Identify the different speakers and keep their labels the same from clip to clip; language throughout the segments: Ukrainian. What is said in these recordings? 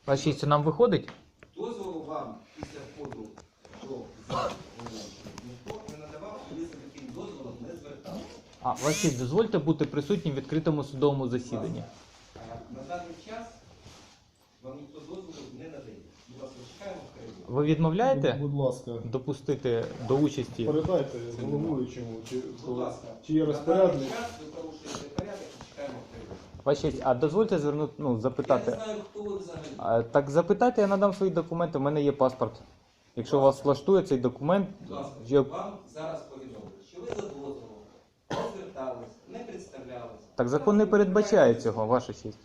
Speaker 1: Ваша честь, нам виходить?
Speaker 2: Дозволу вам після входу до залу ніхто не надавав, і ви за таким дозволом не звертали.
Speaker 1: Ваша честь, дозвольте бути присутнім в відкритому судовому засіданні.
Speaker 2: На даний час вам ніхто дозволу не надає. Будь ласка, чекаємо в коридорі.
Speaker 1: Ви відмовляєте
Speaker 3: Будь ласка,
Speaker 1: допустити до участі?
Speaker 3: передайте головуючому,
Speaker 2: Будь ласка,
Speaker 3: чи є
Speaker 2: на
Speaker 3: розпорядник.
Speaker 2: даний час ви порушуєте порядок і чекаємо в коридорі.
Speaker 1: Ваша честь, а дозвольте запитати.
Speaker 2: Я не знаю, хто ви взагалі.
Speaker 1: Так запитайте, я надам свої документи, у мене є паспорт. Якщо вас влаштує цей документ,
Speaker 2: Будь ласка,
Speaker 1: я...
Speaker 2: вам зараз повідомили, що ви за дозволом не звертались, не представлялись.
Speaker 1: так закон не передбачає цього, ваша честь.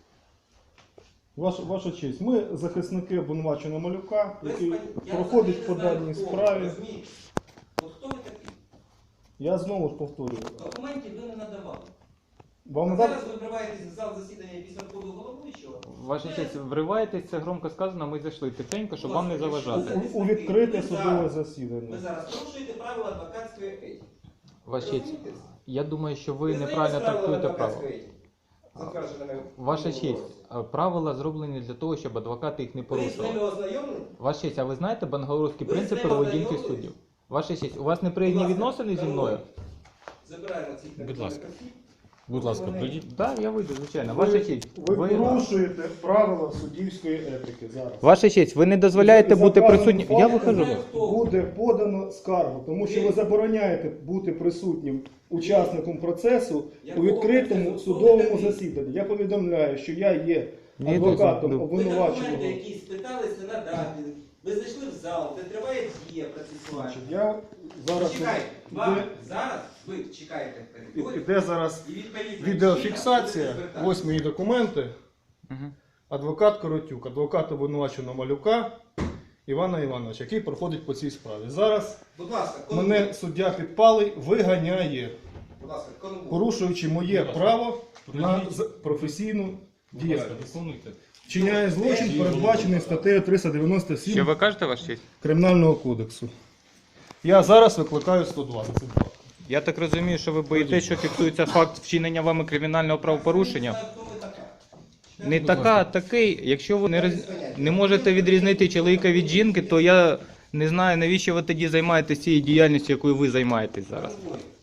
Speaker 3: Ваша честь, ми захисники обвинуваченого Малюка,
Speaker 2: Без
Speaker 3: який
Speaker 2: пані- я
Speaker 3: проходить по
Speaker 2: взагалі не
Speaker 3: даній
Speaker 2: знаю, хто ви,
Speaker 3: справі.
Speaker 2: розумієте? От хто ви такий?
Speaker 3: Я знову ж повторюю.
Speaker 2: Документів ви не надавали.
Speaker 3: Вам
Speaker 2: А
Speaker 3: надати?
Speaker 2: зараз ви вриваєтесь в зал засідання після входу головуючого.
Speaker 1: Ваша честь, вриваєтесь, це громко сказано, ми зайшли тихенько, щоб вам не заважати.
Speaker 3: У відкрите
Speaker 2: Ви
Speaker 3: судове
Speaker 2: зараз-
Speaker 3: засідання.
Speaker 2: Ви зараз порушуєте правила адвокатської етики.
Speaker 1: Ваша честь,
Speaker 2: Розумієте?
Speaker 1: я думаю, що ви
Speaker 2: знаєте
Speaker 1: неправильно
Speaker 2: правила
Speaker 1: трактуєте право.
Speaker 2: адвокатської етики? Затвердженими
Speaker 1: Ваша
Speaker 2: в
Speaker 1: честь,
Speaker 2: році.
Speaker 1: правила зроблені для того, щоб адвокати їх не
Speaker 2: Ви з ними
Speaker 1: порушували.
Speaker 2: ознайомлені?
Speaker 1: Ваша честь, а ви знаєте бангалорські
Speaker 2: Ви з
Speaker 1: принципи
Speaker 2: ними
Speaker 1: поведінки
Speaker 2: ознайомились?
Speaker 1: суддів? Ваша честь, у вас неприязні
Speaker 2: Будь ласка,
Speaker 1: відносини зі мною?
Speaker 2: Забираємо цих
Speaker 4: Будь ласка.
Speaker 2: осіб.
Speaker 4: Будь ласка,
Speaker 2: Вони-
Speaker 4: прийдіть.
Speaker 1: Так, я вийду, звичайно. Ваша честь,
Speaker 3: Ви порушуєте правила суддівської етики зараз.
Speaker 1: Ваша честь, ви не дозволяєте
Speaker 3: За
Speaker 1: бути
Speaker 3: вказаним
Speaker 1: присутнім. Я
Speaker 3: фактом
Speaker 1: виходжу.
Speaker 3: Буде подано скаргу, тому що ви забороняєте бути присутнім учасником процесу у відкритому судовому засіданні. Я повідомляю, що я є
Speaker 1: Ні,
Speaker 3: адвокатом
Speaker 1: ну,
Speaker 2: Ви
Speaker 3: обвинуваченого.
Speaker 2: документи, які спиталися надати. Ви зайшли в зал, де триває дія процесуальна.
Speaker 3: Значить, я зараз
Speaker 2: Чекайте, вам
Speaker 3: іде,
Speaker 2: зараз ви чекаєте в коридорі.
Speaker 3: іде зараз
Speaker 2: І відповідно
Speaker 3: відеофіксація.
Speaker 2: чином будете
Speaker 3: Ось мої документи.
Speaker 1: Мгм.
Speaker 3: Адвокат Коротюк, адвокат обвинуваченого Малюка Івана Івановича, який проходить по цій справі. Зараз
Speaker 2: Будь ласка,
Speaker 3: мене суддя підпалий виганяє,
Speaker 2: Будь ласка, конвой.
Speaker 3: порушуючи моє право на професійну
Speaker 4: Будь ласка,
Speaker 3: діяльність.
Speaker 4: виконуйте.
Speaker 3: Вчиняє злочин, передбачений статтею
Speaker 1: Що
Speaker 3: 397
Speaker 1: ви кажете, ваша честь?
Speaker 3: Кримінального кодексу. Я зараз викликаю 120.
Speaker 1: Я так розумію, що ви боїтеся, що фіксується факт вчинення вами кримінального правопорушення.
Speaker 2: Хто ви така?
Speaker 1: Не така, а такий. Якщо ви не можете відрізнити чоловіка від жінки, то я не знаю, навіщо ви тоді займаєтесь цією діяльністю, якою ви займаєтесь зараз.
Speaker 2: Конвой.